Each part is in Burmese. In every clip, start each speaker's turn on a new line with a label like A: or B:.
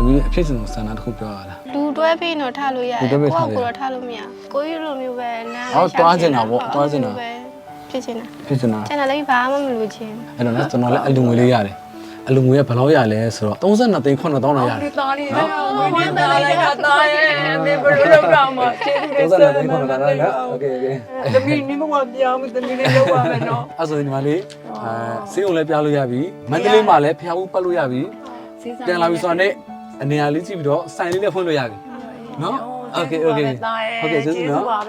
A: သမီးအဖြစ်စံဆန္ဒတစ်ခုပြောရလား
B: လူတွဲပြီးတော့ထားလို့ရတယ်ကိုယ့်ကိုယ်တော့ထားလို့မရကိုကြီးလိုမျိုးပဲနား
A: တွားချင်တာပေါ့တွားချင်တာ
B: ဖြစ်ချင်တာ
A: ဖြစ်ချင်တာ
B: ကျန်တာလည်းဘာမှမလိုချင်
A: အဲ့တော့ကျွန်တော်လည်းအလူငွေလေးရတယ်အလူငွေကဘယ်လောက်ရလဲဆိုတော့32သိန်း9000တောင်းရတယ်
C: ။သားလေးနော်။ဝင်းနေတာလိုက်တာသားရဲ့။နေဘယ်လိုလုပ်တော့မှကျေးဇူးတင်ဆက်
A: 32သိန်း9000တောင်းရโอเคโอเค
C: ။သမီးနိမဝပြောင်းသမီးလေးလောက်ပါမယ်နော်
A: ။အဲ့ဆိုရင်ဒီမှာလေးဆေးုံလည်းပြလို့ရပြီ။မန္တလေးမှာလည်းဖျားဦးပတ်လို့ရပြီ။ပြန်လာပြီဆိုတော့လည်းအနေအားလေးကြည့်ပြီးတော့ဆိုင်လေးလည်းဖွင့်လို့ရပြီ။နော်။ Okay okay ။ဟုတ်ကဲ့ကျေးဇူးနော်။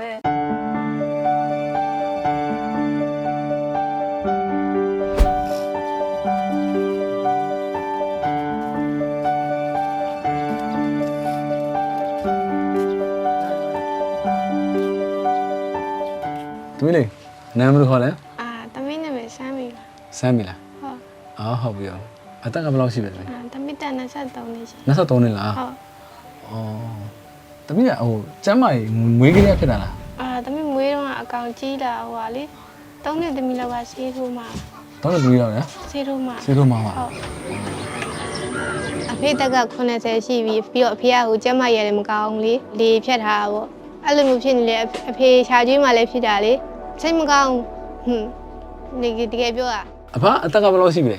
A: သမီးလေးနာမည်ခေါ်လဲ
B: သမီးနာမည်စမ်းပြီ
A: စမ်းပြီလား
B: ဟုတ်
A: ဟုတ်ပြီရောအသက်ကဘယ်လောက်ရှိပြီလဲ
B: သမီးတက်23နှစ်ရှိ
A: 23နှစ်လား
B: ဟုတ်
A: သမီးကဟိုကျမ်းမာရေးမွေးကလေးဖြစ်တာလား
B: သမီးမွေးတော့အကောင်ကြီးလာဟိုဟာလေ3နှစ်သမီးလောက်ကဆေးထိုးမှာ
A: 3နှစ်သမီးလောက်ရ
B: ဆေးထိုးမှာ
A: ပါ
B: ဟုတ်အဖေတက်က80ရှိပြီပြီးတော့အဖေကဟိုကျမ်းမာရေးလည်းမကောင်းလေလေဖြတ်ထားတာပေါ့အဲ့လိုမျိုးဖြစ်နေလေအဖေရှားကျွေးမှလည်းဖြစ်တာလေစိတ်မကောင်းနေတကယ်ပြောတာ
A: အဖအသက်ကဘယ်လောက်ရှိပြီလဲ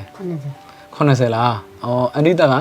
A: 80လားအနိတက်က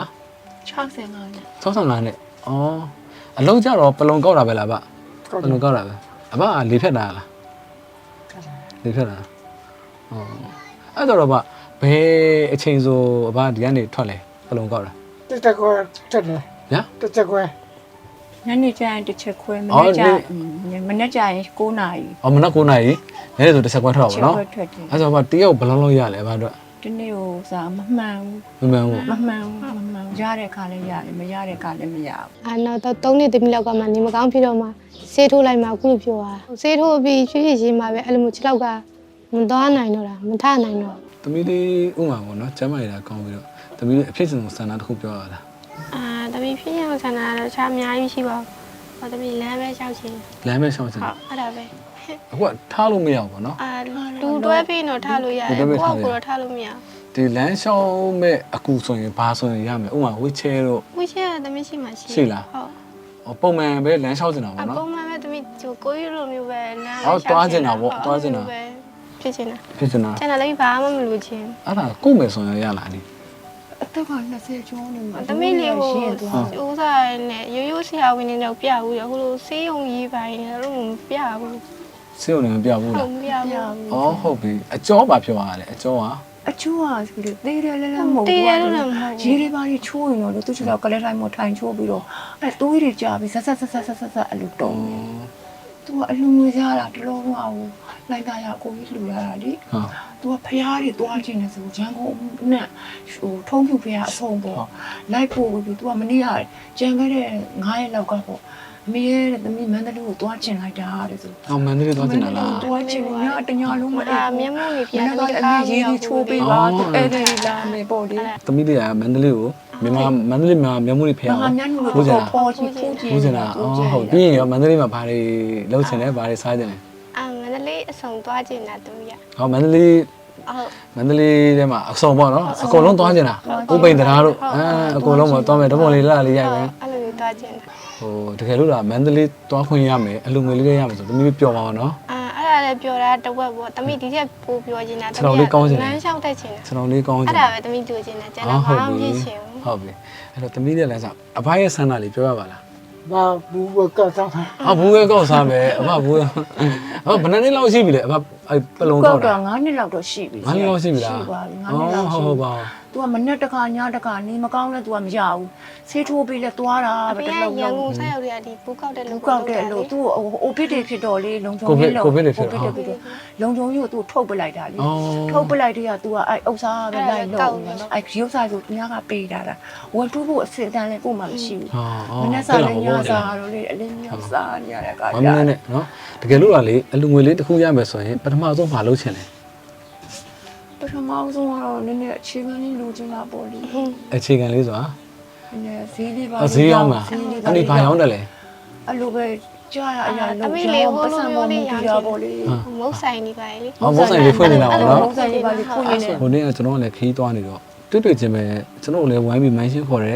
C: 65နှစ်
A: 65နှစ်အလုံးကြတော့ပလုံကောက်တာပဲလားဗျပလုံကောက်တာပဲအဖလေဖြတ်တာလားလေဖြတ်တာအဲ့တော့ဗျဘယ်အချိန်ဆိုအဖဒီကနေထွက်လဲပလုံကောက်တာ
D: တက်ကွယ်တက်တယ်
A: ညာ
D: တက်ကွယ်
C: ညနေကျရင်တစ်ချက်ခွဲမနေ့ကျရင်9နာရီ
A: မနေ့9နာရီနေ့ဆိုတစ်ချက်ခွဲထွက်တော့ဗောနော်အဲ့ဆိုဗျတယောက်ဘယ်လောက်ရလဲဗျတော့
C: ဒီနေ့ဟိုစားမမှန်
A: ဘူးမမှန်
C: ရတဲ့ခါလည်းရတယ်မရတဲ့ခါလည်းမရဘူး
B: နောက်တော့3နှစ်သမီးလောက်ကမှနေမကောင်းဖြစ်တော့မှဆေးထိုးလိုက်မှအခုလိုပြောတာဆေးထိုးပြီးရွှေ့ရွှေ့ချင်းမှပဲအဲ့လိုမျိုး6လောက်ကမသွားနိုင်တော့တာမထနိုင်တော့
A: သမီးလေးဥမာပေါ့နော်ကျမ်းမာရတာကောင်းပြီးတော့သမီးလေးအဖြစ်စံဆန္ဒတစ်ခုပြောရလား
B: သမီးဖြစ်ရဆန္ဒတော့ခြားအများကြီးရှိပါဘူးသမီးလမ်းပဲလျှောက်ချင်
A: လမ်းပဲလျှောက်ချင်
B: ဟုတ်အဲ့ဒါပဲ
A: အခုထားလို့မရဘူးပေါ့နော်
B: လူတွဲပြီးတော့ထားလို့ရတယ်ကိုယ့်ကိုယ်တော့ထားလို့မရ
A: ဒီလမ်းလျှောက်မဲ့အကူဆိုရင်ဘာဆိုရင်ရမယ်ဥမာဝီချဲတော့
B: ဝီချဲသမီးရှိမှ
A: ရှိလားဟုတ်ပုံမှန်ပဲလမ်းလျှောက်နေတာပေါ့နော်
B: ပုံမှန်ပဲသမီးကိုကြီးလိုမျိုးပဲလမ်း
A: တွားချင်တာပေါ့တွားချင်တာ
B: ဖြစ်ချင်တာ
A: ကျ
B: န်တာလည်းဘာမှမလိုချင်
A: အဲ့ဒါကို့မယ်ဆိုရင်ရလားဒီ
C: အသက်က20ကျော်နေမှာ
B: သမီးလေးကိုဥစားနဲ့ရိုးရိုးဆရာဝန်တွေတော့ပြဘူးရဟိုလိုဆေးရုံကြီးပိုင်းတော့မပြဘူး
A: ဆေးရုံလည်းမပြဘူးလား
B: မပြဘူး
A: ဟုတ်ပြီအကျော်ပါပြောရလဲအကျော်
C: ကအချိုးကသေးတယ်လည်းမဟုတ်ဘူးရေတွေပါတွေချိုးရင်တော့သူ့ချောက်ကလေးတိုင်းမထိုင်ချိုးပြီးတော့အဲသွေးတွေကြာပြီးဆက်အလူတုံးနေသူကအလူငွေစားတာတလုံးမအောင်လိုက်တာရကိုကြီးလူရတာလေသူကဖျားတွေတွားခြင်းနဲ့ဆိုရန်ကုန်နဲ့ဟိုထုံးဖြူဖျားအဆုံးပေါ့လိုက်ပို့ပြီးသူကမနေ့ကကြံခဲ့တဲ့9ရက်လောက်ကပေါ့အမေရဲ့သမီးမန္တလေးကိုတွားချင်လိုက်တာတဲ့ဆို
A: မန္တလေးတွားချင်တာလား
C: တွားချင်ညတညလုံးမ
B: မျက်မှောက်နေပြန်
C: ပြီးအမေရေးပြီးချိုးပေးပါသူအဲ့ဒီလာမယ်ပေါ့လေ
A: သမီးလေးကမန္တလေးကိုမြန်မာမန္တလေးမှာမျက်မှောက်နေဖျား
C: ဘူးကြလားပေါ်ချီဖူးကြည့်
A: နေတာဟုတ်ပြီးရင်ရောမန္တလေးမှာဘာတွေလုပ်ချင်လဲဘာတွေစားချင်လဲ
B: မန္တလေးအဆောင်သွားချင်တာသူရ
A: မန္တလေးမန္တလေးထဲမှာအဆောင်ပေါ့နော်အကုန်လုံးသွားချင်တာဥပိန်တရားတို့အကုန်လုံးပေါ့သွားမယ်တပုံလေးလာလေးရိုက်မယ်
B: အဲ့လိုသွားချင်တာ
A: တကယ်လို့လားမန္တလေးသွားခွင့်ရမယ်အလူငွေလေးရမယ်ဆိုသမီးပျော်ပါတော့
B: အဲ့ဒါလည်းပျော်တာတဝက်ပေါ့သမီးဒီချက်ပိုပျော်ချင်တာ
A: သမီးလမ်းလျှောက်
B: တတ်ချင်တာ
A: ကျွန်တော်လေးကောင်းချင်
B: အဲ့ဒါပဲသမီးကြိုချင်တာကျန်တာဘာမှမဖြစ်ချင်ဘူး
A: ဟုတ်ပြီအဲ့တော့သမီးရဲ့လမ်းစားအဖရဲ့ဆန္ဒလေးပြောရပါလား
D: ဘာဘူးကောက်စား
A: ဘူးကောက်စားမယ်အဖဘူးဘယ်နှစ်လောက်ရှိပြီလဲအဖပလုံကောက်တာ
C: 9နှစ်လောက်တော့ရှိပြီ
A: 9နှစ်လောက်ရှိပြီလား
C: ရှိပါပြီ9နှစ်လောက်ရှိ
A: ဟုတ်ပါ
C: तू ကမနဲ့တခါညတခါနေမကောင်းလဲ तू ကမရဘူးဆေးထိုးပြီးလဲသွားတာ
B: ပဲတလုံးရန်ကုန်ဆက်ရောက်ရဒီဘူးကောက်တဲ့
C: လူကောက်တဲ့လူ तू အိုပစ်တွေဖြစ်တော့လေလုံချုံ
A: ကြီးလို့ကိုဗစ်တွေဖြစ်တော့
C: လုံချုံကြီးကို तू ထုတ်ပလိုက်တာလေထုတ်ပလိုက်တဲ့က तू ကအဲ့ဥစ္စာပဲလိုက်လို့အဲ့ရုပ်စာဆိုသူများကပေးတာဝယ်တူးဖို့အစစ်အတန်းလဲကိုမှမရှိဘူးမနဲ့စားလဲညစားတော့လေအလင်းမျိုးစားနေရတဲ့အခါ
A: ကျမနဲ့နော်တကယ်လို့ကလေအလူငွေလေးတစ်ခုရမယ်ဆိုရင်ပထမဆုံးမလုပ်ချင်လဲ
C: ပထမဆုံးကတော့နည်းနည်းအခြေခံလေးလိုချင်တာပေါ့လေ
A: အခြေခံလေးဆိုတာ
C: နည်းနည်းဈေးလေးပါ
A: ဈေးရောက်မှာအဲ့ဒီဘာရောက်တယ်လဲ
C: အဲ့လိုပဲကြားရအရာလုံးပတ်စံပေါ်ပြီးရပါလေ
B: မုတ်ဆိုင်နေပါလေ
A: မုတ်ဆိုင်လေးဖွင့်နေတာပေါ့နော်
C: မုတ်ဆိုင်လေးပါလေးဖွင့်နေတယ်
A: ဟိုနေ့ကကျွန်တော်ကလည်းခီးသွားနေတော့တွေ့ချင်းပဲကျွန်တော်လည်းဝိုင်းပြီးမိုင်းရှင်းခေါ်တယ်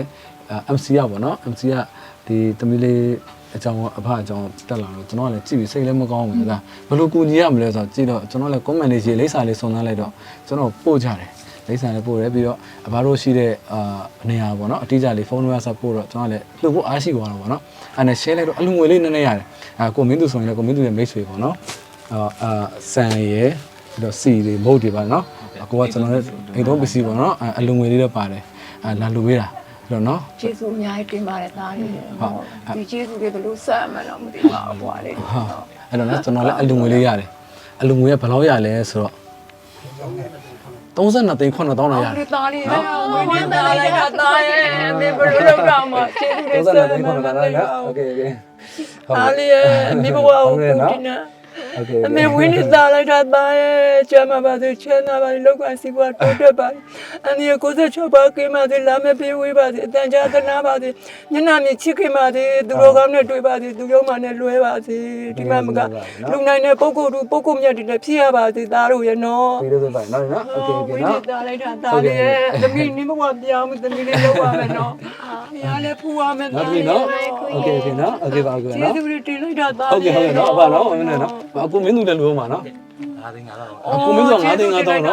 A: MC ရပါတော့ MC ကဒီသမီးလေးအကြောင်းအဖအကြောင်းတက်လာတော့ကျွန်တော်ကလည်းကြည့်ပြီးစိတ်လည်းမကောင်းဘူးဒါဘယ်လိုကူညီရမလဲဆိုတော့ကြည့်တော့ကျွန်တော်လည်း comment လေးရေးလိပ်စာလေးစုံစမ်းလိုက်တော့ကျွန်တော်ပို့ကြတယ်လိပ်စာလေးပို့တယ်ပြီးတော့အဘတို့ရှိတဲ့နေရာပေါ့နော်အတိအကျလေးဖုန်းနံပါတ်ဆက်ပို့တော့ကျွန်တော်လည်းလှုပ်ဖို့အားရှိသွားတော့ပေါ့နော်အဲ့နဲ့ share လိုက်တော့အလူငွေလေးနည်းနည်းရတယ်ကိုမင်းသူဆိုရင်လည်းကိုမင်းသူရဲ့မိတ်ဆွေပေါ့နော်ဆန်ရယ်ပြီးတော့စီတွေမုတ်တွေပါနော်ကိုကကျွန်တော်လည်းအိမ်တော့ပစ္စည်းပေါ့နော်အလူငွေလေးတော့ပါတယ်လာလူပေးတာတော့နော်
C: ကျေးဇူးအများကြီးတင်ပါတယ်သားလေးဒီကျေးဇူးတွေဘယ်လိုဆက်အမှန်းတော့မသိပါဘူးဘွာလေး
A: အဲ့တော့နော်ကျွန်တော်လည်းအလူငွေလေးရတယ်အလူငွေကဘယ်လောက်ရလဲဆိုတော့32သိန်း9000တောင်းရတယ်
C: ဒီသားလေးငွေနဲ့သားလိုက်တာသားရဲ့မင်းဘယ်လိုလုပ်တော့မှကျေးဇူးတွေဆက်
A: 32သိန်း9000တောင်းရတယ်โอเคโอเค
C: သားလေးရဲ့မိဘဝကိုပူတင်နေ
A: โอเค
C: အမေဝင်းနေသားလိုက်တာသားရဲ့ကျမ်းပါပါစေချမ်းသာပါစေလောက်ကစီပွားတိုးတက်ပါအန်ဒီ96ပါကိမစေလာမပြေဝေးပါစေအတန်ကြာသနာပါစေညနာမြချစ်ခင်ပါစေသူတော်ကောင်းနဲ့တွေ့ပါစေသူရုံးမှနဲ့လွဲပါစေဒီမှာမကလူနိုင်တဲ့ပုဂ္ဂိုလ်တို့ပုဂ္ဂိုလ်မြတ်တွေလည်းဖြစ်ရပါစေသားတို့ရဲ့နော်
A: ပြီးတော့ဆိုပါနော်နော်โอเคโอเคနော်
C: သားလိုက်တာသားလေးရဲ့သမီးနေမဘွားပြောင်းသမီးလေးလောက်ပါမယ်နော်ဘုရားလည်းဖူးပါမယ်
A: နော်
C: သား
A: ဒီ
C: လေး
A: နော်โอเคโอเคနော်โอเคပါโอเค
C: ကျေး
A: နော်
C: ဇူးတွေတင်လိုက်တာသား
A: ဟုတ်ကဲ့ဟုတ်ကဲ့နော်အဖနော်မင်းနဲ့နော်အခုမင်းသူလည်းလို့မှာနော်အခုမင်းသူက9သိန်း9000နော်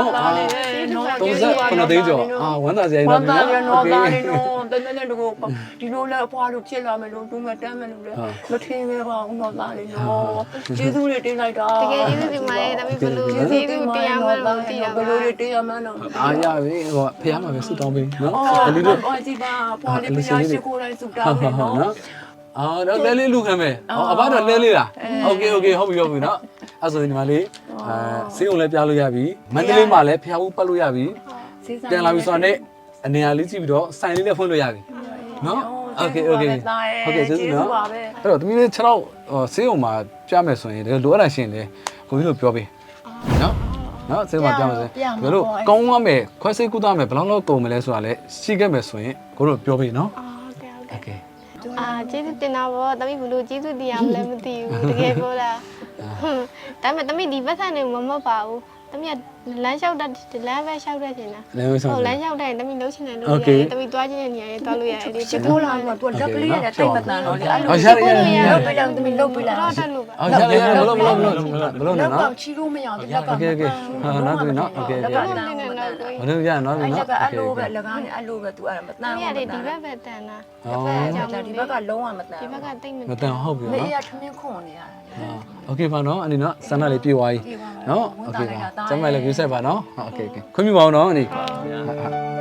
A: 39သိန်းကျော်ဝမ်းသာစရာကြီး
C: ဝ
A: တော့
C: မ်းသာရ
A: โอ
C: နော်
A: เค
C: သားလေးနော်တနေ့နဲ့တကူဒီလိုလဲအဖွားလို့ဖြစ်လာမယ်လို့သူမတမ်းမယ်လို့လဲမထင်ပဲပါဦးနော်သားလေးနော်ကျေးဇူးတွေတင်လိုက်တာ
B: တကယ်ကျေးဇူးတင်ပါတယ်ဒါပေမဲ့ဘယ်လိုကျေးဇူးတရားမှန်းတော့မသိရ
C: ဘ
B: ပါ
C: ယ်လို
B: ဘူး
C: တွေတရားမှန်းတော့
A: အားရပြီဟိုဖះမှာပဲဆူတောင်းပေးနော်
C: အော်
A: ဒီလို
C: အော်ဒီပါဖွားလေးဘုရားရှိခိုးတိုင်းစုတောင်းနေနော်
A: တော့လဲလေးလူခံမယ်အဘတော့လဲလေးလားโอเคโอเคဟုတ်ပြီဟုတ်ပြီနော်အဲ့ဆိုရင်ဒီမှာလေးဆေးုံလည်းပြလို့ရပြီမန္တလေးမှာလည်းဖះဦးပတ်လို့ရပြီပြန်လာပြီဆိုတော့အနေအားလေးကြည့်ပြီးတော့ဆိုင်လေးလည်းဖွင့်လို့ရပြီနော်โอเคโอเคဟုတ်ကဲ့ကျေးဇူးနော်အဲ့တော့တမီးလေး6တော့ဆေးုံမှာပြမယ်ဆိုရင်လိုအပ်တာရှင်လေကိုကြီးတို့ပြောပေးနော်နော်ဆေးုံမှာပြမယ်ဆိုရင်ဘယ်လိုကောင်းရမယ်ခွဲစိတ်ကုသမယ်ဘယ်လောက်လောက်ကုန်မလဲဆိုတာလည်းရှိခဲ့မယ်ဆိုရင်ကိုတို့ပြောပေးနော်
B: โอเค
A: โอเค
B: ကျေးဇူးတင်တာပေါ့တမီးဘလို့ကျေးဇူးတရားမလဲမသိဘူးတကယ်ပြောတာဒါပေမဲ့တမီးဒီဘက်ကနေမမတ်ပါဘူးတမီးကလမ်းလျှောက်တတ်လမ်းပဲလျှောက်တတ်ချင်တာ
A: လည်းမဆောင်
B: ဟုတ်လမ်းလျှောက်တိုင်းတမီးလှုပ်ချင်တယ်လို့ရတယ်တမီးသွားချင်တဲ့နေရာတွေသွားလို့ရတယ်ဒီ
C: ချစ်ခိုးလာမှာသူလက်ကလေးနဲ့တိတ်မတန်တော့လေအဲ့လို
A: ရရ
C: လုပ်ပေးတယ်သမီးလုပ်ပေးလိုက်
B: တော့တက်လို့ပါ
A: အော်ရရမလို့မလို့
C: လက်
A: နော်
C: ကောင်ချီလို့မရဘူးလက်က
A: โอเคโอเคဟာနော်သူနော်โอเคโอเค
B: တက်နေနေတော့ကို
A: မလို့ရနော်သူ
C: အဲ့လ
A: နော်
C: က်ကအဲ့လိုပဲလက်ကားနဲ့အဲ့လိုပဲသူအဲ့မတန်
B: တမီး
C: ဘူး
B: ကဒီဘက်ပဲတန်တာ
C: ဒီဘက်ကလုံးဝမတန်
B: ဒီဘက်ကတိတ်မ
A: မတန်ဟုတ်ပြီ
C: မေး
A: နော်
C: ရထမင်းခွန်နေရတယ်
A: โอเคပါနော်အနေနော်စန္ဒလေးပြေးသွားပြီနော်โอเคပါကျမလည်း view set ပါနော်โอเคโอเคခွင့်ပြုပါအောင်နော်အနေ